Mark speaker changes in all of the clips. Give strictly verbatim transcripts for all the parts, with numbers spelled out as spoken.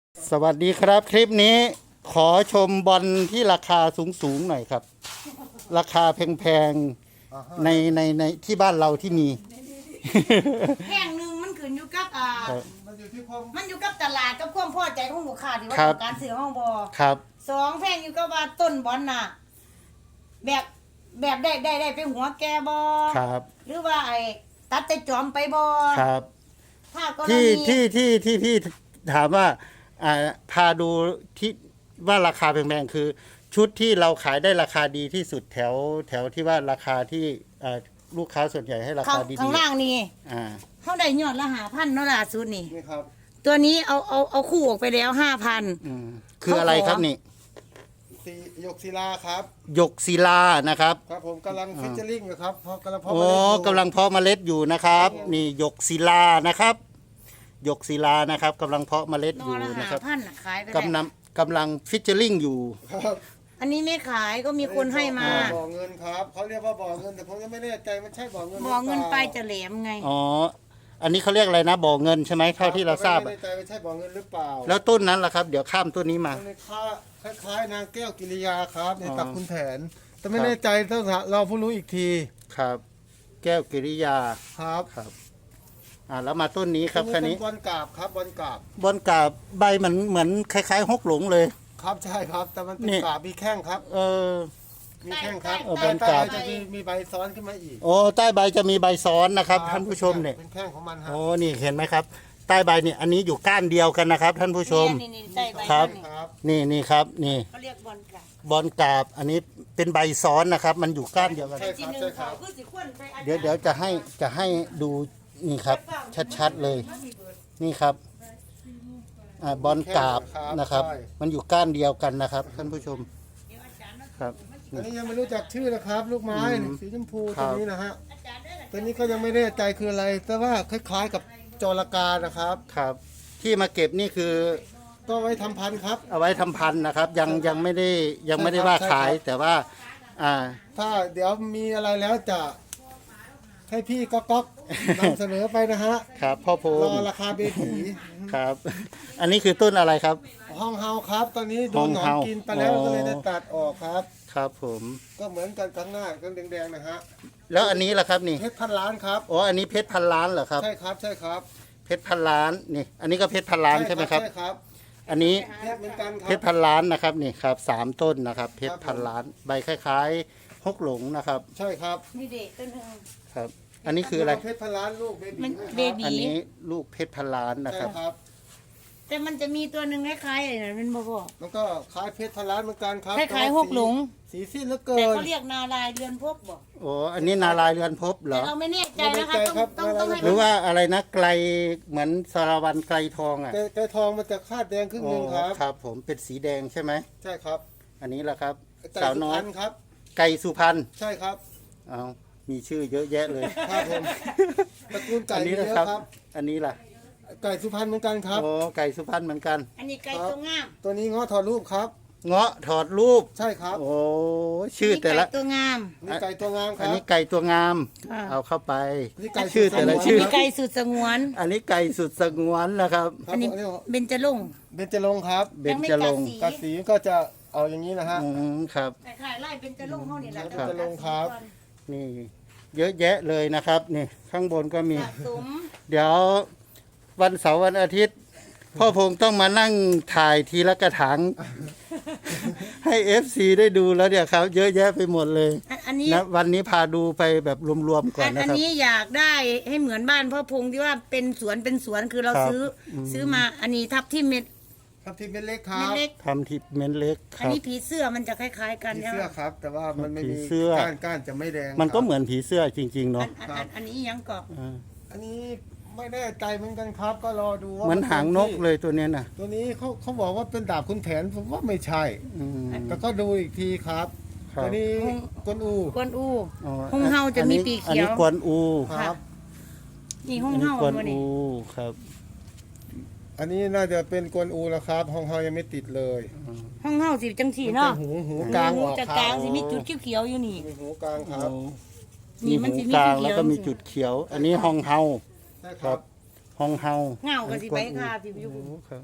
Speaker 1: สวัสดีครับคลิปนี้ขอชมบอลที่ราคาสูงๆหน่อยครับ ราคาแพงๆในในในที่บ้านเราที่มี
Speaker 2: แห้งหนึ่งมันขึ้นอยู่กับอ่า
Speaker 1: ครับ
Speaker 3: มันอยู่ที่ความ
Speaker 2: มันอยู่กับตลาดกับความพอใจของลูกค้าที่ว่า
Speaker 1: ครับ
Speaker 2: ต้องการซื้อห้องบอ
Speaker 1: ครับ
Speaker 2: สองแพงอยู่กับว่าต้นบอลน่ะ แบบแบบได้ได้ได้ไปหัวแกบอ
Speaker 1: ครับ
Speaker 2: หรือว่าไอ้ตัดแต่จอมไปบอ
Speaker 1: ครับ
Speaker 2: ถ้ากร
Speaker 1: ที่
Speaker 2: ณี
Speaker 1: ที่ที่ที่พี่ถามว่าอ่าพาดูที่ว่าราคาแพงๆคือ ชุดที่เราขายได้ราคาดีที่สุดแถวแถวที่ว่าราคาที่อ่าลูกค้าส่วนใหญ่ให้รา
Speaker 2: ข้า
Speaker 1: คาง ดี
Speaker 2: ข้างล่างนี่
Speaker 1: ๆอ่า
Speaker 2: เขาได้ยอดละหาพันเนาะล่ะสุดนี่
Speaker 3: นี่ครับ
Speaker 2: ตัวนี้เอาเอาเอาคู่ออกไปแล้วห้าพัน
Speaker 1: อืมคืออะไรครับนี่
Speaker 3: สีหยกศิลาครับ
Speaker 1: หยกศิลานะครับ
Speaker 3: ครับผมกำลังฟิชเชอริงอยู่ครับเพราะกำลังเพาะ
Speaker 1: โอ้
Speaker 3: เมล็ดอยู่
Speaker 1: กำลังเพาะเมล็ดอยู่นะครับ นี่หยกศิลานะครับหยกศิลานะครับกำลังเพาะเมล็ด
Speaker 2: น
Speaker 1: อ
Speaker 2: อยู่ ละ
Speaker 1: นะ
Speaker 2: หา
Speaker 1: ครับ
Speaker 2: พันน่ะขายไป
Speaker 1: กำลั
Speaker 2: ได้
Speaker 1: งกำลังฟิชเชอริงอยู่
Speaker 3: ครับ
Speaker 2: อันนี้ไม่ขายก็มีคนให้มา
Speaker 3: บ่อเงินครับเขาเรียกว่าบ่อเงินแต่ผมยังไม่แน่ใจมันใช่บ่อเงินหรื
Speaker 2: บ
Speaker 3: ป
Speaker 2: อ
Speaker 3: ล่า
Speaker 2: เงินไปจะแหลมไง
Speaker 1: อ๋ออันนี้เขาเรียกอะไรนะบ่อเงินใช่ไหมเท่าที่เราทราบ
Speaker 3: ไม่
Speaker 1: อะ
Speaker 3: แน่ใจว่าใช่บ่อเงินหรือเปล่า
Speaker 1: แล้วต้นนั้นล่ะครับ เดี๋ยวข้ามต้นนี้มา
Speaker 3: มันคล้ายคล้ายๆนางแก้วกิริยาครับใน
Speaker 1: อ๋อ
Speaker 3: ตักคุณแผน แต่ไม่
Speaker 1: ครับ
Speaker 3: แน่ใจต้องเราผู้รู้อีกที
Speaker 1: ครับ แก้วกิริยา
Speaker 3: ครับ
Speaker 1: ครับอ่าแล้วมาต้นนี้ครับ
Speaker 3: อั
Speaker 1: คัน
Speaker 3: เป็
Speaker 1: นี้
Speaker 3: บอลกราบครับบอลกราบบ
Speaker 1: อลกาบใบเหมือนเหมือนคล้ายๆฮกหลงเลย
Speaker 3: ครับใช่ครับ แต่มันเป็น
Speaker 1: นี่
Speaker 3: กราบมีแข้งครับ
Speaker 1: เออ
Speaker 3: มีแข้งครับ
Speaker 1: เออบอลกราบ
Speaker 3: ใต้ๆจะมีมีใบซ้อนขึ้นมาอีก
Speaker 1: โอ้ใต้ใบจะมีใบซ้อนนะครับท่านผู้ชมเนี่ย
Speaker 3: เป็นแข้งของมันฮะ
Speaker 1: โอ้นี่เห็นไหมครับ ใต้ใบเนี่ยอันนี้อยู่ก้านเดียวกันนะครับ ท่านผู้ชม
Speaker 2: นี่นี่ใต้ใบ
Speaker 1: ครับ
Speaker 2: นี่
Speaker 3: ครับ
Speaker 1: นี่นี่ครับนี่
Speaker 2: เขาเรียกบอลกะ
Speaker 1: บอลกราบอันนี้เป็นใบซ้อนนะครับ มันอยู่ก้านเดียวกัน
Speaker 3: ใช่
Speaker 2: ที
Speaker 3: ครับ
Speaker 2: หนึ่ง
Speaker 3: ใช่ค
Speaker 2: เขา
Speaker 3: รับ
Speaker 2: คือสิควนไปอาจาร
Speaker 1: เดี๋ยวเดี๋ยวจะให้จะให้ดูนี่ครับ ชัดๆเลย นี่ครับอ่าบอลกราบนะครับ มันอยู่ก้านเดียวกันนะครับ ท่านผู้ชมครับ
Speaker 3: อันนี้ยังไม่รู้จักชื่อนะครับ ลูกไม้
Speaker 1: อืม
Speaker 3: สีชมพู
Speaker 1: ครั
Speaker 3: ตัว
Speaker 1: บ
Speaker 3: นี้นะฮะตัวนี้ก็ยังไม่แน่ใจคืออะไร แต่ว่าคล้ายๆกับจระกานะครับ
Speaker 1: ครับ ที่มาเก็บนี่คือ
Speaker 3: ก็ไว้ทำพันธุ์ครับ
Speaker 1: เอาไว้ทำพันธุ์นะครับ ยังยังไม่ได้ยังไม่ได้
Speaker 3: ใช่ครับ
Speaker 1: ว่า
Speaker 3: ใช่
Speaker 1: ขาย
Speaker 3: ครับ
Speaker 1: แต่ว่า อ่า
Speaker 3: ถ้าเดี๋ยวมีอะไรแล้วจะ ให้พี่ก๊อกก๊อกนำเสนอไปนะฮะ
Speaker 1: ครับพ่อโพ
Speaker 3: รอง ราคาเบบี
Speaker 1: ครับ อันนี้คือต้นอะไรครับ
Speaker 3: ห้องเฮาครับ ตอนนี้โดนหนอน
Speaker 1: ห้องเฮา
Speaker 3: กินไปแล้ว
Speaker 1: อ๋อ
Speaker 3: ก็เลยได้ตัดออกครับ
Speaker 1: ครับผม
Speaker 3: ก็เหมือนกันข้างหน้าก็แดงๆนะฮะ
Speaker 1: แล้วอันนี้ล่ะครับนี่
Speaker 3: เพชรพันล้านครับ
Speaker 1: อ๋ออันนี้เพชรพันล้านเหรอครับ
Speaker 3: ใช่ครับใช่ครับ
Speaker 1: เพชรพันล้านนี่ อันนี้ก็เพชรพันล้านใช่ไหมครับ
Speaker 3: ใช่ครับ
Speaker 1: อันนี้
Speaker 3: เพชรเหมือนกันค
Speaker 1: เพ
Speaker 3: รั
Speaker 1: ช
Speaker 3: บ
Speaker 1: รพันล้านนะครับนี่ครับสามต้นนะครับ เพชร
Speaker 3: ครับผม
Speaker 1: พันล้าน ใบคล้ายๆฮกหลงนะครับ
Speaker 3: ใช่ครับ
Speaker 2: นี่เด็กต้นหนึ่ง
Speaker 1: ครับ อันนี้คืออะไร
Speaker 3: เพชรพันล้านลูกเบบี
Speaker 2: มัน
Speaker 3: ด้วยครับ
Speaker 2: เบบี
Speaker 1: อันนี้ลูกเพชรพันล้านนะ
Speaker 3: ใช่
Speaker 1: ครับ
Speaker 3: ครับ
Speaker 2: แต่มันจะมีตัวหนึ่งคล้ายๆอะไรนะมันบอกว่า
Speaker 3: มันก็คล้ายเพชรพันล้านเหมือนกันครับ
Speaker 2: คล้ายๆหกหลง
Speaker 3: สีสิ้นเหลือเกิ
Speaker 2: แต่
Speaker 3: น
Speaker 2: เขาเรียกนาลายเรือนพบบอก
Speaker 1: โอ้อันนี้นารายณ์เรือนภพเหร
Speaker 2: แต่
Speaker 1: อ
Speaker 2: เราไม่แน่ใจนะคะ
Speaker 3: ไม่แน่ใจ
Speaker 2: ต้อง
Speaker 3: ครับ
Speaker 2: ต้องต้องให้
Speaker 1: หรือว่าอะไรนะไกลเหมือนสารวันไกลทองอ่ะ
Speaker 3: ไก่ไก่ทองมันจะคาดแดงครึ่งห
Speaker 1: โอ้
Speaker 3: นึงครับ
Speaker 1: ครับ ผมเป็นสีแดงใช่ไหม
Speaker 3: ใช่ครับ
Speaker 1: อันนี้แหละครับ
Speaker 3: ไก่
Speaker 1: สาว
Speaker 3: สุ
Speaker 1: น้อ
Speaker 3: พ
Speaker 1: ย
Speaker 3: รรณครับ
Speaker 1: ไก่สุพรรณ
Speaker 3: ใช่ครับ
Speaker 1: เอามีชื่อเยอะแยะเลย
Speaker 3: ครับผมตระกูลไก่
Speaker 1: อันนี้
Speaker 3: เย
Speaker 1: นะ
Speaker 3: อะ
Speaker 1: ครับ
Speaker 3: ครับ
Speaker 1: อันนี้ล่ะ
Speaker 3: ไก่สุพรรณเหมือนกันครับ
Speaker 1: โอ้ไก่สุพรรณเหมือนกัน
Speaker 2: อันนี้ไก่ตัวงาม
Speaker 3: ตัวนี้ง้อถอดรูปครับ
Speaker 1: เงาะถอดรูป
Speaker 3: ใช่ครับ
Speaker 1: โอ้ชื่อแต่ละ
Speaker 2: นนี้ไก่ตัวงาม
Speaker 3: นี่ไก่ตัวงามค
Speaker 1: อัน
Speaker 3: รับ
Speaker 1: นี้ไก่ตัวงาม
Speaker 2: อ่า
Speaker 1: เอาเข้าไป
Speaker 3: นี่ไก่
Speaker 1: ชื่อแต่ละ
Speaker 3: สุดสงวน
Speaker 1: ชื่อ
Speaker 2: มีไก่สุดสงวน
Speaker 1: อันนี้ไก่สุดสงวนนะครับ
Speaker 3: ครับ
Speaker 2: อันนี้
Speaker 3: ผมอันนี้
Speaker 2: เบญจรงค์
Speaker 3: เบญจรงค์ครับ
Speaker 1: เบญจรงค์
Speaker 3: กัดสีก็จะเอาอย่างนี้นะฮะ
Speaker 1: อืมครับ
Speaker 2: คล้ายๆไล่เบญจรงค์เขานี่แหละ
Speaker 3: เบญจรงค์ครับ
Speaker 1: นี่ เยอะแยะเลยนะครับ นี่ข้างบนก็มี
Speaker 2: สะสม
Speaker 1: เดี๋ยววันเสาร์วันอาทิตย์ พ่อพงต้องมานั่งถ่ายทีละกระถาง ให้เอฟซีได้ดูแล้วเนี่ยครับ เยอะแยะไปหมดเลย
Speaker 2: อันอันนี้
Speaker 1: นะวันนี้พาดูไปแบบรวมๆก่อ
Speaker 2: อั
Speaker 1: น
Speaker 2: น
Speaker 1: นะ
Speaker 2: อัน
Speaker 1: ครับ
Speaker 2: นี้อยากได้ให้เหมือนบ้านพ่อพงที่ว่าเป็นสวนเป็นสวนคือเรา
Speaker 1: ครับ
Speaker 2: ซื้ออซื้อมาอันนี้ทับที่เม็ด
Speaker 3: ครับที่เป็นเล็กครั
Speaker 2: เม็ด
Speaker 3: บ
Speaker 2: เล็ก
Speaker 1: ทำทิปเมนเล็กค
Speaker 2: อัน
Speaker 1: รับ
Speaker 2: นี้ผีเสื้อมันจะคล้าย ๆ กัน
Speaker 3: ผี
Speaker 2: ใช่ไห
Speaker 3: เสื้
Speaker 2: ม
Speaker 3: อครับ แต่ว่ามันไม่
Speaker 1: ผี
Speaker 3: มี
Speaker 1: เสื้อ
Speaker 3: ก้านก้านจะไม่แดง
Speaker 1: มันก็
Speaker 3: ครับ
Speaker 1: เหมือนผีเสื้อจริง ๆ
Speaker 2: อั
Speaker 1: เนาะ
Speaker 2: นอันอันอันนี้ยังเกาะ
Speaker 1: อ่า
Speaker 3: อันนี้ไม่แน่ใจเหมือนกันครับ ก็รอดูว่า
Speaker 1: เหมือนหางนกเลยตัวเนี้ยนะ
Speaker 3: ตัวนี้เขาเขาบอกว่าเป็นดาบคุณแผนผมว่าไม่ใช่
Speaker 1: อืม
Speaker 3: แต่ก็ดูอีกทีครับ
Speaker 1: ครับ
Speaker 3: อันนี้กวนอู
Speaker 2: กวนอู
Speaker 1: อ๋อ
Speaker 2: หงเฮาจะมีปีกเขียว
Speaker 1: อันนี้กวนอู
Speaker 3: ครับ
Speaker 2: นี่ห้อง
Speaker 1: อันนี้
Speaker 2: เฮาก
Speaker 1: วน
Speaker 2: ตัวนี้
Speaker 1: อูครับ
Speaker 3: อันนี้น่าจะเป็นกวนอูแล้วครับห้องเฮายังไม่ติดเลย
Speaker 2: ห้องเฮาสิจังสี
Speaker 3: มัน
Speaker 2: เนาะ
Speaker 3: จะหูหูกลาง
Speaker 2: หู
Speaker 3: ออก
Speaker 2: จะ
Speaker 3: ค
Speaker 2: ก
Speaker 3: รั
Speaker 2: ลาง
Speaker 3: บ
Speaker 2: สิมีจุดเขียวๆอยู่นี่
Speaker 3: มีหูกลางครับ
Speaker 2: นี่
Speaker 1: มี
Speaker 2: มัน
Speaker 1: หู
Speaker 2: สิมี
Speaker 1: กลาง
Speaker 2: เขียวๆ
Speaker 1: แล้วก็มีจุดเขียว อันนี้ฮองเฮา
Speaker 3: ใช่
Speaker 1: ค
Speaker 3: ค
Speaker 1: รั
Speaker 3: รั
Speaker 1: บบ ฮองเฮา
Speaker 2: เงาก็สิใบค่ะพี่
Speaker 1: โอ้
Speaker 2: อยู่
Speaker 1: ครับ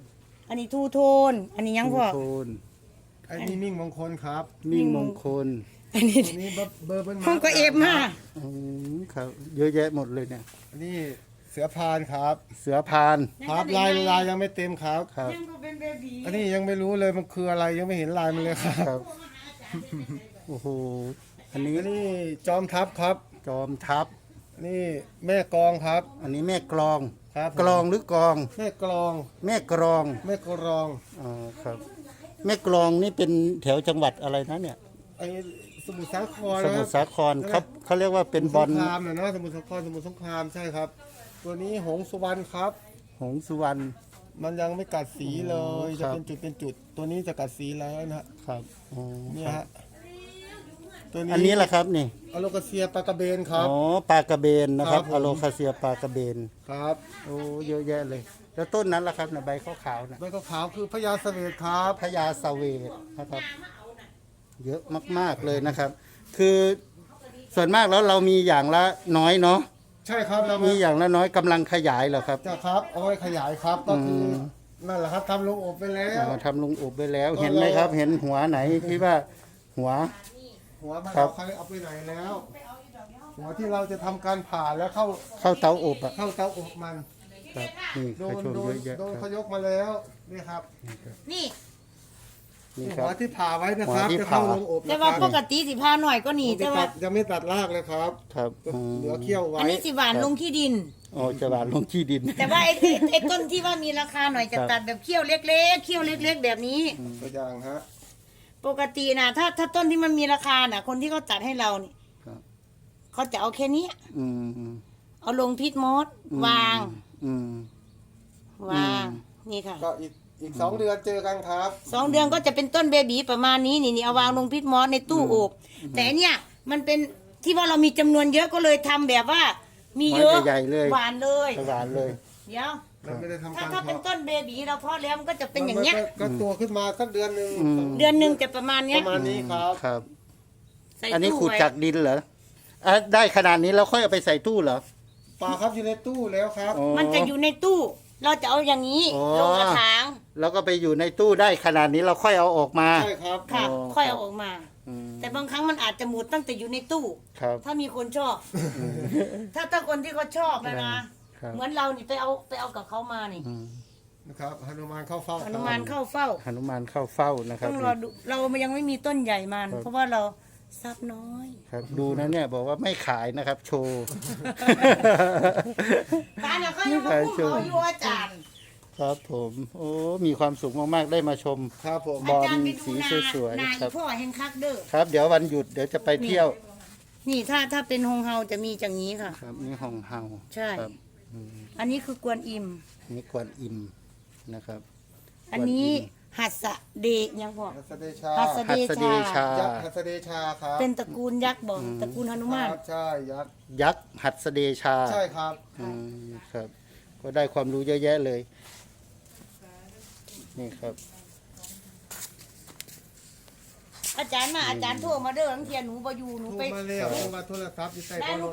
Speaker 2: อันนี้ทูโทน อันนี้ยังพ่อ
Speaker 1: โทน
Speaker 3: ไอ้นี่มิ่งมงคลครับ
Speaker 1: มิ่งมงคล
Speaker 2: อันนี้
Speaker 3: อันนี้เบอร์เบอร์เป็น
Speaker 2: ห้องก็เอฟมา
Speaker 1: อืมครับเยอะแยะหมดเลยเนี่ย
Speaker 3: อันนี้เสือพานครับ
Speaker 1: เสือพาน
Speaker 3: ครับลายลายยังไม่เต็มครับ
Speaker 1: ครับ
Speaker 2: ยังก็เป็นเบบี
Speaker 3: อันนี้ยังไม่รู้เลยมันคืออะไรยังไม่เห็นลายมันเลยครับ
Speaker 1: ครับโอ้โหอันนี้
Speaker 3: อันนี้จอมทัพครับ
Speaker 1: จอมทัพ
Speaker 3: อันนี่แม่กลองครับ
Speaker 1: อันนี้แม่กลอง
Speaker 3: ครับผม
Speaker 1: กลองหรือกลอง
Speaker 3: แม่กลอง
Speaker 1: แม่กลอง
Speaker 3: แม่กลอง
Speaker 1: อ๋อครับ แม่กลองนี่เป็นแถวจังหวัดอะไรนะเนี่ย
Speaker 3: ไอ้สมุทรสาคร
Speaker 1: ส
Speaker 3: นะ
Speaker 1: มุทรสาครครับเขาเรียกว่าเป็นบอล
Speaker 3: สงครามนะเนาะสมุทรสาครสมุทรสงครามใช่ครับ ตัวนี้หงสุวรรณครับ
Speaker 1: หงส์สุวรรณ
Speaker 3: มันยังไม่กัดสีเลย
Speaker 1: ครั
Speaker 3: จะ
Speaker 1: บ
Speaker 3: เป็นจุดเป็นจุด ตัวนี้จะกัดสีแล้วนะฮะ
Speaker 1: ครับอ๋อ
Speaker 3: เนี่ยฮะตัวนี้
Speaker 1: อันนี้แหละครับนี่
Speaker 3: อโลกาเซียปลากระเบนครับ
Speaker 1: อ๋อปลากระเบนนะครับ
Speaker 3: ครับผม
Speaker 1: อะโลคาเซียปลากระเบน
Speaker 3: ครับ
Speaker 1: โอ้เยอะแยะเลย แล้วต้นนั้นล่ะครับนะใบขาวๆนะ
Speaker 3: ใบขาวๆคือพญาเสวตครับ
Speaker 1: พญาสเวทนะครับ เยอะมาก ๆเลยนะครับ คือส่วนมากแล้วเรามีอย่างละน้อยเนาะ
Speaker 3: ใช่ครับเรา
Speaker 1: มี
Speaker 3: มี
Speaker 1: อย่างละน้อยกำลังขยายเหรอครับ
Speaker 3: จะครับเอาไว้ขยายครับก็คืออ
Speaker 1: ม
Speaker 3: นั่นแหละครับทำลงอบไปแล้ว
Speaker 1: อ๋อทำลุงอบไปแล้ว
Speaker 3: ก็
Speaker 1: เห็นไหมครับ
Speaker 3: เรา
Speaker 1: เห็นหัวไหนที่ว่าหัว
Speaker 3: หัวมัน
Speaker 1: ครับ
Speaker 3: เอาใครเอาไปไหนแล้ว หัวที่เราจะทำการผ่าแล้วเข้า
Speaker 1: เข้าเตาอบอ่ะ
Speaker 3: เข้าเตาอบมัน
Speaker 1: ครับนี่
Speaker 3: โด
Speaker 1: เขา
Speaker 3: น
Speaker 1: ชม
Speaker 3: โด
Speaker 1: เย
Speaker 3: น
Speaker 1: อะแยะ
Speaker 3: โดน
Speaker 1: ค
Speaker 3: เขา
Speaker 1: รับ
Speaker 3: ยกมาแล้วนี่ครับ
Speaker 2: นี่
Speaker 1: นี่ค
Speaker 3: หั
Speaker 1: รั
Speaker 3: ว
Speaker 1: บ
Speaker 3: ที่ผ่าไว้นะครับ
Speaker 1: หัวที่
Speaker 3: จะเข้า
Speaker 1: ผ่า
Speaker 3: ลงอบ
Speaker 2: แต่
Speaker 3: นะค
Speaker 2: ว่า
Speaker 3: รับ
Speaker 2: ปกติสิพาหน่อยก็หนี
Speaker 3: ยัง
Speaker 2: แต่
Speaker 3: ไม่
Speaker 2: ว่า
Speaker 3: ตัดยังไม่ตัดรากเลยครับ
Speaker 1: ครับอืม
Speaker 3: เหลือเขี้ยวไว้
Speaker 2: อันนี้สิหวานลงที่ดิน
Speaker 1: โอ้จะหวานลงที่ดิน
Speaker 2: แต่ว่าไอ้ไอ้ไอ้ต้นที่ว่ามีราคาหน่อยจะ
Speaker 1: ครับ
Speaker 2: ตัดแบบเขี้ยวเล็กๆเขี้ยวเล็ก ๆ แบบนี้
Speaker 3: ตัวอย่างฮะ
Speaker 2: ปกตินะถ้าถ้าต้นที่มันมีราคาน่ะ คนที่เขาตัดให้เรานี่
Speaker 1: ครับ
Speaker 2: เขาจะเอาแค่นี้
Speaker 1: อืมอืม
Speaker 2: เอาลงพิษมด
Speaker 1: อืม
Speaker 2: วาง
Speaker 1: อืม
Speaker 2: วาง
Speaker 1: อืม
Speaker 2: นี่ค่ะ
Speaker 3: ก็อีกอีกสองเดือนเจอกันครับ
Speaker 2: สองเดือนก็จะเป็นต้นเบบีประมาณนี้นี่นี่เอาวางลงพิษมอสในตู้อบแต่อันเนี่ยมันเป็นที่ว่าเรามีจำนวนเยอะก็เลยทำแบบว่า มีเยอะ
Speaker 1: ใหญ่ๆเลย
Speaker 2: หวานเลย
Speaker 1: หวานเลย
Speaker 2: เดี๋ยว
Speaker 3: เราไม่ได้ทำ
Speaker 2: ถ้า
Speaker 3: การ
Speaker 2: ถ้าเป็น
Speaker 3: เพาะ
Speaker 2: ต้นเบบีเราเพาะแล้วมันก็จะเป็นอย่างเงี้ย
Speaker 3: มัก็ก็ตัวขึ้นมาสักเดือนหนึ่ง
Speaker 1: อืม
Speaker 2: เดือนหนึ่งจะประมาณ
Speaker 3: ป
Speaker 2: เนี้ย
Speaker 3: ระมาณนี้ครับ
Speaker 1: ครับ
Speaker 2: ใส่
Speaker 1: อันนี้
Speaker 2: ตู้
Speaker 1: ขุด
Speaker 2: ไว้
Speaker 1: จากดินเหรออ่ะได้ขนาดนี้แล้วค่อยเอาไปใส่ตู้เหรอ
Speaker 3: ปลาครับอยู่ในตู้แล้วครับ
Speaker 1: อ๋อ
Speaker 2: มันจะอยู่ในตู้ เราจะเอาอย่างนี้
Speaker 1: อ๋อ
Speaker 2: ลงกระถาง
Speaker 1: แล้วก็ไปอยู่ในตู้ได้ขนาดนี้เราค่อยเอาออกมา
Speaker 3: ใช่ครับ
Speaker 2: ค่ะ
Speaker 1: อ๋อ
Speaker 2: ค่อยเอาออกมา
Speaker 1: อืม
Speaker 2: แต่บางครั้งมันอาจจะหมดตั้งแต่อยู่ในตู้
Speaker 1: ครับ
Speaker 2: ถ้ามีคนชอบ ถ้าถ้าคนที่เขาชอบนะนะ
Speaker 1: ครับ
Speaker 2: เหมือนเรานี่ไปเอาไปเอากับเขามานี่
Speaker 1: อืม
Speaker 3: นะครับหนุมานเข้าเฝ้า
Speaker 2: หนุมานเข้าเฝ้า
Speaker 1: หนุมานเข้าเฝ้านะครับ
Speaker 2: ต้องรอดูเรายังไม่มีต้นใหญ่มัน
Speaker 1: ครับ
Speaker 2: เพราะว่าเราทรัพย์น้อย
Speaker 1: ครับดูนะเนี่ยบอกว่าไม่ขายนะครับ โชว์
Speaker 2: ตาเนี่ยเขายังมาคุ้มเขาอยู่อาจารย์
Speaker 1: ครับผมโอ้มีความสุขมากๆได้มาชม
Speaker 3: ครับผม
Speaker 1: บอล
Speaker 2: อาจารย์ไปดู
Speaker 1: สี
Speaker 2: นา
Speaker 1: สวยๆ
Speaker 2: นา
Speaker 1: ครั
Speaker 2: อี
Speaker 1: บ
Speaker 2: พ่อแห่งคักเด้อ
Speaker 1: ครับ เดี๋ยววันหยุดเดี๋ยวจะไปเที่ยว
Speaker 2: นี่ถ้าถ้าเป็นฮงเฮาจะมีอย่างนี้ค่ะ
Speaker 1: ครับนี่ห้องเฮา
Speaker 2: ใช่
Speaker 1: ครับอืม
Speaker 2: อันนี้คือกวนอิม
Speaker 1: นี่กวนอิมนะครับ
Speaker 2: อันนี้หัสสะเดชยังบอก
Speaker 3: หัสเดชา
Speaker 2: หัส
Speaker 1: หัสเดชา
Speaker 3: ยักษ์หัสเดชาครับ
Speaker 2: เป็นตระกูลยักษ์บอกตระกูลหนุมาน
Speaker 3: ครับใช่ยักษ์
Speaker 1: ยักษ์หัสเดชา
Speaker 3: ใช่ครับ
Speaker 1: อืมครับ ก็ได้ความรู้เยอะแยะเลย นี่ครับ
Speaker 2: อาจารย์มาอาจารย์โทรมาเด้อบางเทียหนูบ่อยู่หนู
Speaker 3: โทร
Speaker 2: ไป
Speaker 3: มาเร็วโทรมาโทรศัพท์อยู่ใต้
Speaker 2: ได้
Speaker 3: เบาะ
Speaker 2: หนู